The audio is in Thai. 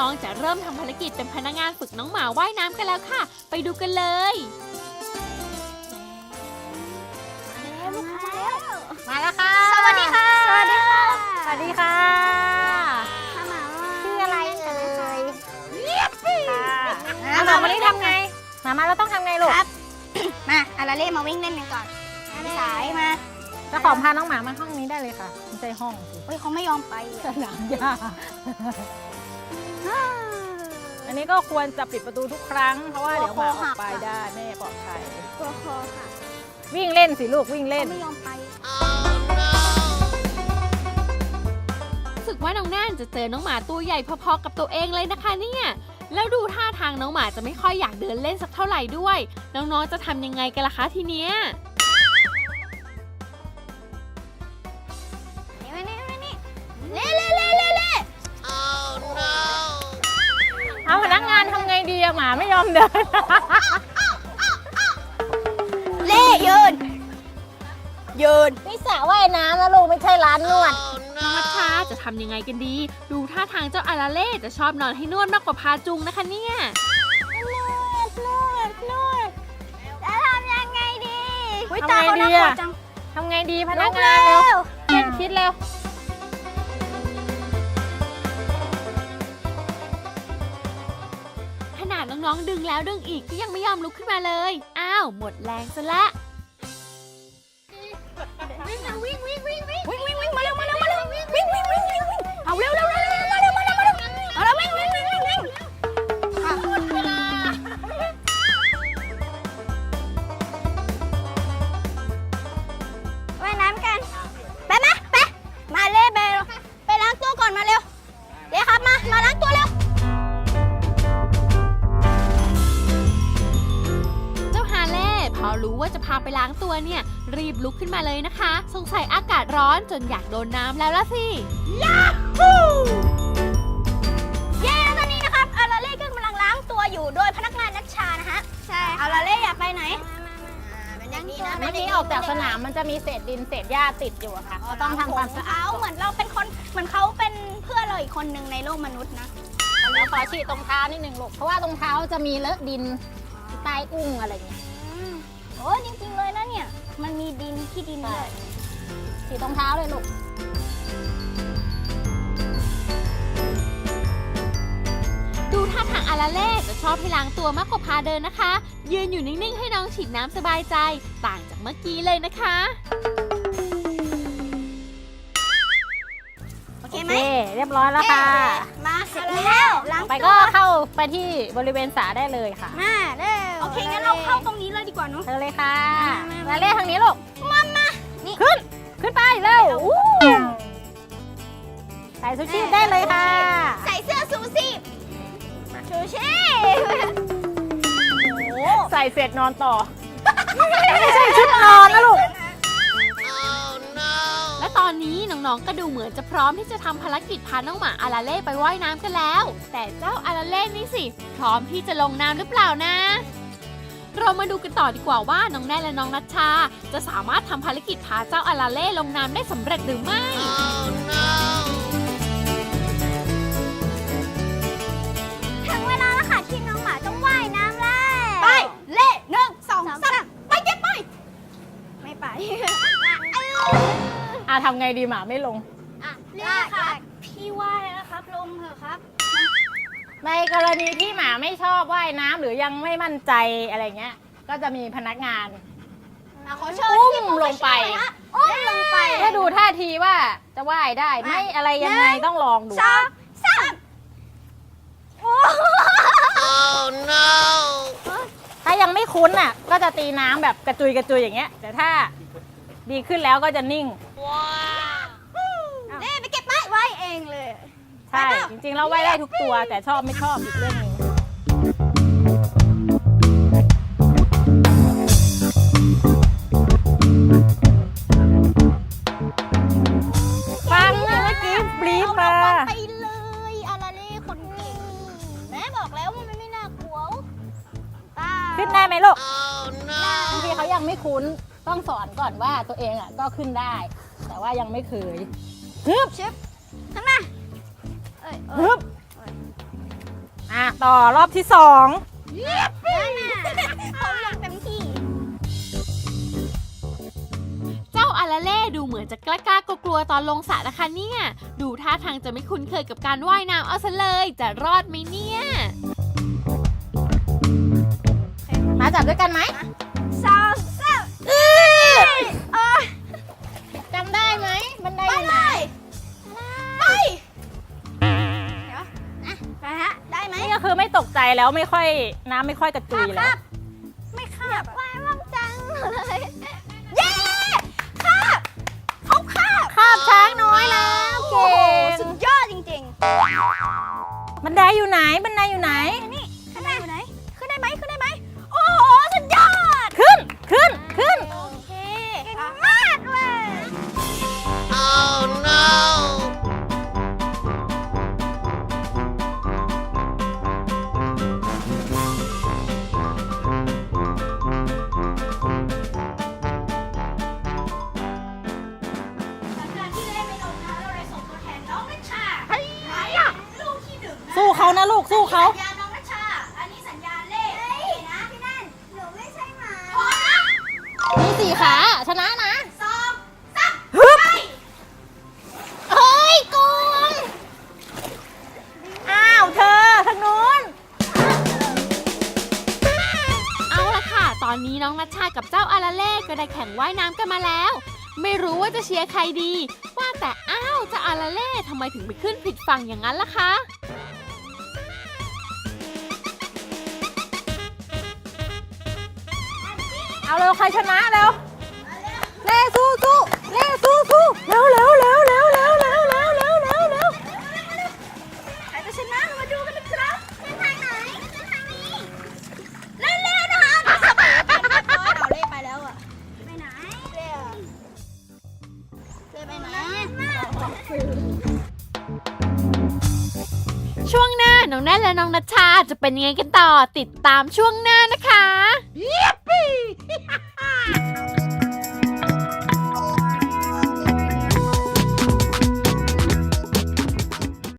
องๆจะเริ่มทำภารกิจเป็นพนักงานฝึกน้องหมาว่ายน้ำกันแล้วค่ะไปดูกันเลยมาแล้วค่ะสวัสดีค่ะสวัสดีค่ะสวัสดีค่ะชื่ออะไรเอ่ยค่ะหมาวันนี้ทำไงมาเราต้องทำไงลูกมาอาราเล่มาวิ่งเล่นกันก่อนสายมาเจ้าของพาน้องหมามาห้องนี้ได้เลยค่ะไม่ใช่ห้องเฮ้ยเขาไม่ยอมไปสนามหญ้าอันนี้ก็ควรจะปิดประตูทุกครั้งเพราะว่าเดี๋ยวหมาออกไปได้ไม่ปลอดภัยตัวคอค่ะวิ่งเล่นสิลูกวิ่งเล่นไม่ยอมไปรู้สึกว่าน้องแน่นจะเจอน้องหมาตัวใหญ่พอๆกับตัวเองเลยนะคะเนี่ยแล้วดูท่าทางน้องหมาจะไม่ค่อยอยากเดินเล่นสักเท่าไหร่ด้วยน้องๆจะทำยังไงกันล่ะคะทีเนี้ยเอาพนักงานทำไงดีอะหมาไม่ยอมเดินเล่ยืนนี่สระว่ายน้ำนะลูกไม่ใช่ร้านนวดน้องมัชชาจะทำยังไงกันดีดูท่าทางเจ้าอาราเล่จะชอบนอนให้นวดมากกว่าพาจุงนะคะเนี่ยนวดจะทำยังไงดีทำไงดีอะทำไงดีพนักงานเร็วเล่นคิดเร็วขนาดน้องๆดึงแล้วดึงอีกก็ยังไม่ยอมลุกขึ้นมาเลยอ้าวหมดแรงซะละวิ่งมาเร็ววิ่งเอาเร็วมาเร็ววิ่งหมดเวลาว่ายน้ำกันไปมาเล่ไปล้างตัวก่อนมาเร็วเดี๋ยวครับมาล้างตัวเร็วพอรู้ว่าจะพาไปล้างตัวเนี่ยรีบลุกขึ้นมาเลยนะคะสงสัยอากาศร้อนจนอยากโดนน้ำแล้วล่ะสิยาฮูเย้ตอนนี้นะครับอาราเล่ก็กำลังล้างตัวอยู่โดยพนักงานนัชชานะฮะใช่อาราเล่อยากไปไหนเป็นอย่างนี้นะเมื่อกี้ออกจากสนามมันจะมีเศษดินเศษหญ้าติดอยู่อะค่ะต้องทำความสะอาดเหมือนเราเป็นคนเหมือนเขาเป็นเพื่อนเราอีกคนหนึ่งในโลกมนุษย์นะเดี๋ยวขอฉีดตรงเท้านิดนึงลูกเพราะว่าตรงเท้าจะมีเลอะดินใต้อุ้งอะไรอย่างเงี้ยโอ้จริงๆเลยนะเนี่ยมันมีดินที่ดินเลยฉีดตรงเท้าเลยลูกดูท่าทางอาราเล่จะชอบให้ล้างตัวมากกว่าพาเดินนะคะยืนอยู่นิ่งๆให้น้องฉีดน้ำสบายใจต่างจากเมื่อกี้เลยนะคะโอเคไหมเรียบร้อยแล้วค่ะมาเสร็จแล้วไปก็เข้าไปที่บริเวณสระได้เลยค่ะมาเร็วโอเคงั้นเราเข้าตรงนี้เลยดีกว่าเนาะเธอเลยค่ะมาเล่ทางนี้ลูกมานี่ขึ้นไปเร็วใส่ชูชีพได้เลยค่ะใส่เสื้อชูชีพใส่เสร็จนอนต่อไม่ใช่ชุดนอนนะลูกและตอนนี้น้องๆก็ดูเหมือนจะพร้อมที่จะทำภารกิจพาน้องหมาอาราเล่ไปว่ายน้ำกันแล้วแต่เจ้าอาราเล่นี่สิพร้อมที่จะลงน้ำหรือเปล่านะเรามาดูกันต่อดีกว่าว่าน้องแน่และน้องนัชชาจะสามารถทำภารกิจพาเจ้าอาราเล่ลงน้ำได้สำเร็จหรือไม่ถึงเวลาแล้วค่ะที่น้องหมาต้องว่ายน้ำแล้วไปเล่1 2 3ไปเก็บไปไม่ไปทำไงดีหมาไม่ลงเล่ค่ะพี่ว่ายแล้วครับลงเถอะครับในกรณีที่หมาไม่ชอบว่ายน้ำหรือยังไม่มั่นใจอะไรเงี้ยก็จะมีพนักงานอุ้มลงไปถ้าดูท่าทีว่าจะว่ายได้ไม่อะไรยังไงต้องลองดูถ้ายังไม่คุ้นอ่ะก็จะตีน้ำแบบกระจุยอย่างเงี้ยแต่ถ้าดีขึ้นแล้วก็จะนิ่งเล่ไปเก็บไม้ไว้เองเลยใช่จริงๆเราไว้ได้ทุกตัวแต่ชอบไม่ชอบอีกเรื่องนึงฟังเมื่อกี้บลีฟมาไปเลยอาราเล่คนเก่งแม่บอกแล้วว่ามันไม่น่ากลัวขึ้นได้ไหมลูกบางทีเขายังไม่คุ้นต้องสอนก่อนว่าตัวเองอ่ะก็ขึ้นได้แต่ว่ายังไม่เคยชึบข้างหน้าฮึบต่อรอบที่2 ผมลงเต็มที่เจ้าอาราเล่ดูเหมือนจะกล้ากลัวๆตอนลงสระนะคะเนี่ยดูท่าทางจะไม่คุ้นเคยกับการว่ายน้ำเอาซะเลยจะรอดไหมเนี่ยมาจับด้วยกันไหมสองสามจำได้ไหมบันไดอยู่ไหนไปเดี๋ยวนะไปฮะได้ไหมนี่ก็คือไม่ตกใจแล้วไม่ค่อยน้ำไม่ค่อยกระจุยแล้วไม่คาบว่ายว่างจังเลยเย้คาบเขาคาบคาบช้างน้อยแล้วเก่งสุดยอดจริงบันไดอยู่ไหนบันไดอยู่ไหนๆนี่ขึ้นได้ไหมขึ้นได้ไหมขึ้นได้ไหมโอ้โหสุดยอดขึ้นโอเคเก่งมากเลยสู้เขานะลูกสู้เขาสัญญาณน้องนัชชา อันนี้สัญญาณเลขนะพี่นั่นหนูไม่ใช่หมามี4 ขาชนะนะสองสามฮึบไปเฮ้ยโกงอ้าวเธอทางนู้นเอาละค่ะ ตอนนี้น้องนัชชากับเจ้าอาราเล่ก็ได้แข่งว่ายน้ำกันมาแล้ว ไม่รู้ว่าจะเชียร์ใครดี ว่าแต่อ้าวเจ้าอาราเล่ทำไมถึงไปขึ้นผิดฝั่งอย่างนั้นล่ะคะเอาเร็วใครชนะเร็วเล่สู้เล่สู้เร็วใครจะชนะมาดูกันนะครับเส้นทางไหนเส้นทางนี้เร็วๆนะคะสบายกันเรียบร้อยเอาเล่ไปแล้วอะไปไหนเล่ไปไหนช่วงหน้าน้องแน่นและน้องนัชชาจะเป็นยังไงกันต่อติดตามช่วงหน้านะคะ